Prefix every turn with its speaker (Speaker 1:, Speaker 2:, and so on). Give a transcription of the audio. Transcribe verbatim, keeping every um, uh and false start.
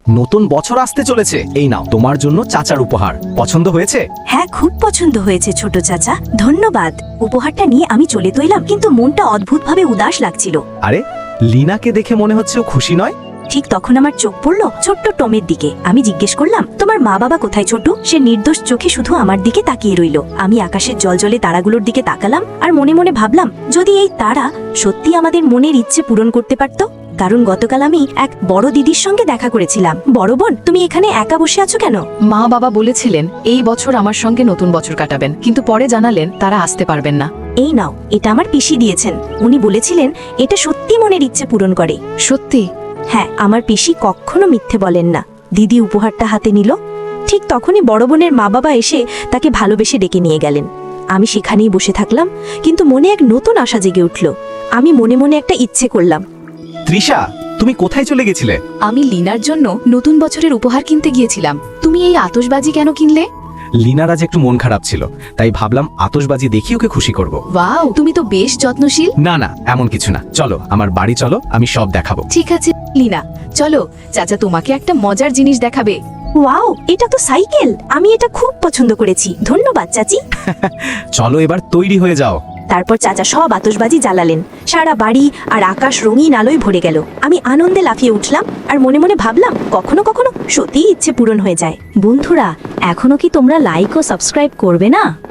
Speaker 1: নতুন বছর আসতে চলেছে, এই নাও তোমার জন্য চাচার উপহার। পছন্দ হয়েছে?
Speaker 2: হ্যাঁ, খুব পছন্দ হয়েছে ছোট চাচা, ধন্যবাদ। উপহারটা নিয়ে আমি চলে তো এলাম, কিন্তু মনটা অদ্ভুতভাবে উদাস লাগছিল।
Speaker 1: আরে, লিনাকে দেখে মনে হচ্ছে ও খুশি নয়।
Speaker 2: ঠিক তখন আমার চোখ পড়ল ছোট্ট টমের দিকে। আমি জিজ্ঞেস করলাম, তোমার মা বাবা কোথায় ছোট? সে নির্দোষ চোখে শুধু আমার দিকে তাকিয়ে রইল। আমি আকাশের জলজলে তারাগুলোর দিকে তাকালাম আর মনে মনে ভাবলাম, যদি এই তারা সত্যি আমাদের মনের ইচ্ছে পূরণ করতে পারত। কারণ গতকাল আমি এক বড় দিদির সঙ্গে দেখা করেছিলাম। বড় বোন, তুমি এখানে একা বসে আছো কেন?
Speaker 3: মা বাবা বলেছিলেন এই বছর আমার সঙ্গে নতুন বছর কাটাবেন, কিন্তু পরে জানালেন তারা আসতে পারবেন না।
Speaker 2: এই নাও, এটা আমার পিসি দিয়েছেন। উনি বলেছিলেন এটা সত্যি মনের ইচ্ছে পূরণ করে।
Speaker 3: সত্যি?
Speaker 2: হ্যাঁ, আমার পিসি কখনো মিথ্যে বলেন না। দিদি উপহারটা হাতে নিল। ঠিক তখনই বড় বোনের মা বাবা এসে তাকে ভালোবেসে ডেকে নিয়ে গেলেন। আমি সেখানেই বসে থাকলাম, কিন্তু মনে এক নতুন আশা জেগে উঠল। আমি মনে মনে একটা ইচ্ছে করলাম।
Speaker 1: তৃষা, তুমি কোথায় চলে গেছিলে?
Speaker 3: আমি লিনার জন্য নতুন বছরের উপহার কিনতে গিয়েছিলাম। তুমি এই আতশবাজি কেন কিনলে?
Speaker 1: লিনার আজ একটু মন খারাপ ছিল, তাই ভাবলাম আতশবাজি দেখি ওকে খুশি করব।
Speaker 3: ওয়াও, তুমি তো বেশ যত্নশীল।
Speaker 1: না না, এমন কিছু না। চলো আমার বাড়ি চলো, আমি সব দেখাবো।
Speaker 3: ঠিক আছে লিনা, চলো, চাচা তোমাকে একটা মজার জিনিস দেখাবে।
Speaker 2: ওয়াও, এটা তো সাইকেল! আমি এটা খুব পছন্দ করেছি, ধন্যবাদ চাচি।
Speaker 1: চলো এবার তৈরি হয়ে যাও।
Speaker 2: তারপর চাচা সব আতশবাজি জ্বালালেন। সারা বাড়ি আর আকাশ রঙিন আলোয় ভরে গেল। আমি আনন্দে লাফিয়ে উঠলাম আর মনে মনে ভাবলাম, কখনো কখনো সত্যিই ইচ্ছে পূরণ হয়ে যায়। বন্ধুরা, এখনো কি তোমরা লাইক ও সাবস্ক্রাইব করবে না?